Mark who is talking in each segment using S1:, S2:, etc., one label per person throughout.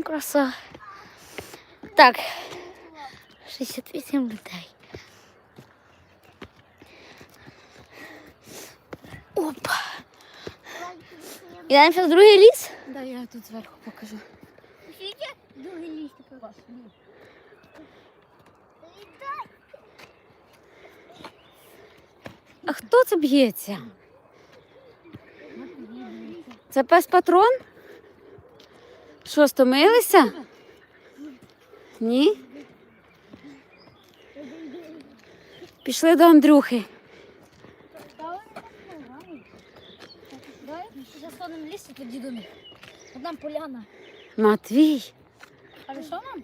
S1: краса. Так, 68 людей. Опа. Ідемо ще в другий ліс?
S2: Да, я тут зверху покажу.
S1: Другий ліс тепер. А хто це б'ється? Це пес патрон? Що, стомилися? Ні? Пішли до Андрюхи.
S2: Давай зараз ходимо в лісі, тоді до них. От нам поляна.
S1: Матвій,
S2: Хорошо нам?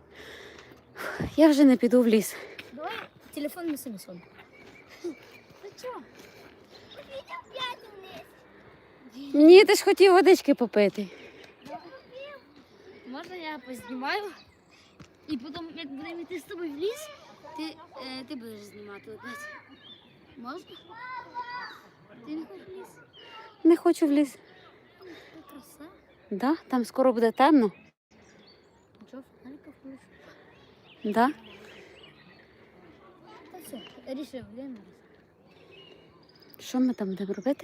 S1: я вже не піду в ліс.
S2: Давай телефон не собі сон. Ти чого?
S1: Ні, ти ж хотів водички попити.
S2: Можна я познімаю? І потім, як будемо йти з тобою в ліс, ти будеш знімати опять. Можна? Ти не хочеш в ліс?
S1: Не хочу в ліс.
S2: Це краса.
S1: Да? Там скоро буде темно.
S2: Чого, фонарика включу?
S1: Да?
S2: Та все, рішив, йдемо.
S1: Що ми там будемо робити?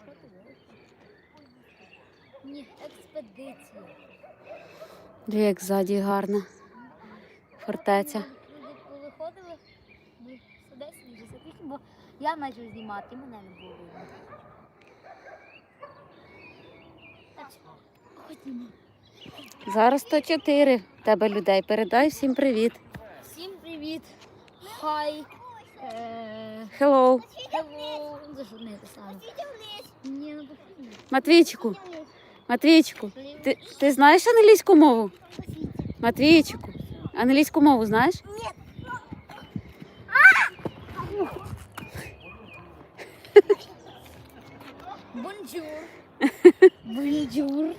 S2: Ні, експедиція.
S1: Диви, як ззаді гарна фортеця.
S2: Люди повиходили, ми сюди запишемо, бо я почав знімати, і мене не було видно. Так, ходімо.
S1: Зараз 104 в тебе людей. Передай всім привіт.
S2: Всім привіт. Хай.
S1: Hello.
S2: Hello. За що не те саме? Ні, ну потрібно.
S1: Матвійчику. Матвійчику. Ти знаєш англійську мову? Матвійчику. Англійську мову знаєш?
S2: Бонжур. Бонжур.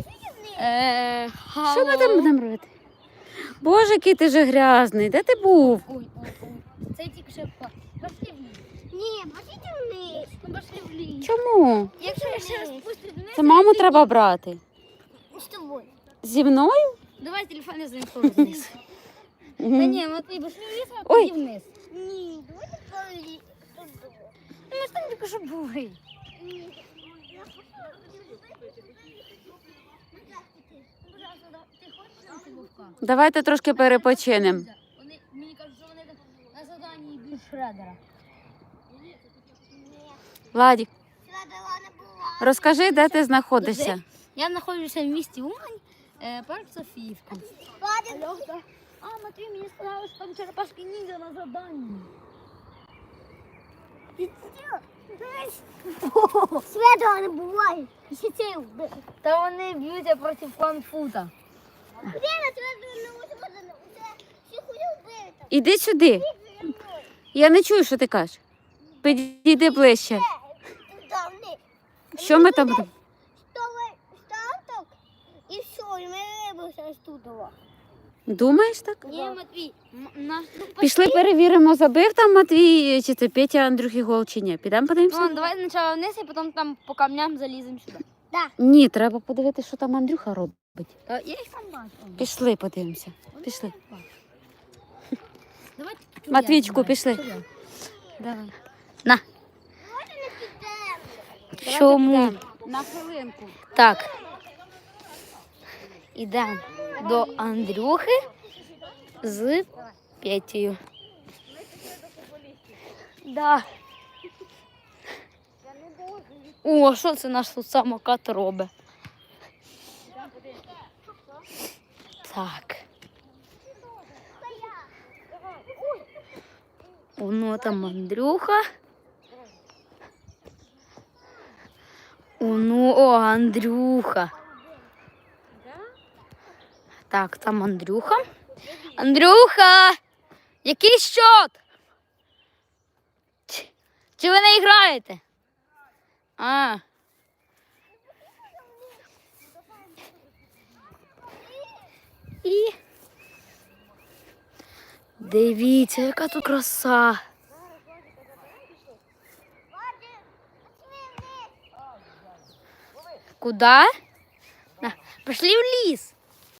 S1: Що ми там будемо робити? Боже, який ти же грязний. Де ти був?
S2: Ой. Це тільки ще пошли в ліс.
S3: Ні, пошли вниз.
S2: Ну, пошли в ліс.
S1: Чому?
S2: Якщо я ще раз спустю вниз,
S1: Це маму треба брати.
S3: З тобою.
S1: Зі мною?
S2: давай телефон я занесу вниз. Та ні, Матвій, пошли в ліс, а
S1: Ой.
S3: Ні, давайте полі.
S2: Ну, ми ж там тільки що були. Ти хочеш на вовка?
S1: Давайте трошки перепочинемо.
S2: Вони, мені кажуть, що вони на заданні більш шредера.
S1: Владік,
S3: Сладова не була.
S1: розкажи, де ти знаходишся.
S2: Я знаходжуся в місті Умань, парк Софіївка. А, Матвій, мені сказали, що там черепашки ніндзя на заданні.
S3: Сладова не буває. Ще це вбив.
S2: Та вони б'ються проти фанфута.
S3: Де на сладова не можна? Всі хуй вбити.
S1: Іди сюди. Я не чую, що ти кажеш. Підійди ближче.
S3: Давни.
S1: Що ми там будемо?
S3: Старток і все, і ми вибився з тутова.
S1: Думаєш так?
S2: Ні, Матвій, наш
S1: Пішли перевіримо, забив там Матвій, чи це Петя Андрюхи гол, чи ні. Підемо подивимося?
S2: Ладно, давай спочатку вниз, і потім там по камням заліземо сюди.
S1: Ні, треба подивитися, що там Андрюха робить.
S2: Я їх там бачу.
S1: Пішли, подивимося. Пішли.
S2: Давай,
S1: Матвійчику, пішли.
S2: Давай.
S1: На.
S2: Чому?
S1: На хвилинку.
S2: Так. Ідемо до Андрюхи з Петєю. Да. О, що це наш тут самокат робить? Так. Воно там Андрюха. О, Андрюха. Так, там Андрюха. Андрюха! Який счет? Чи ви не граєте? А. І дивіться, яка тут краса. Куда? Пошли в ліс.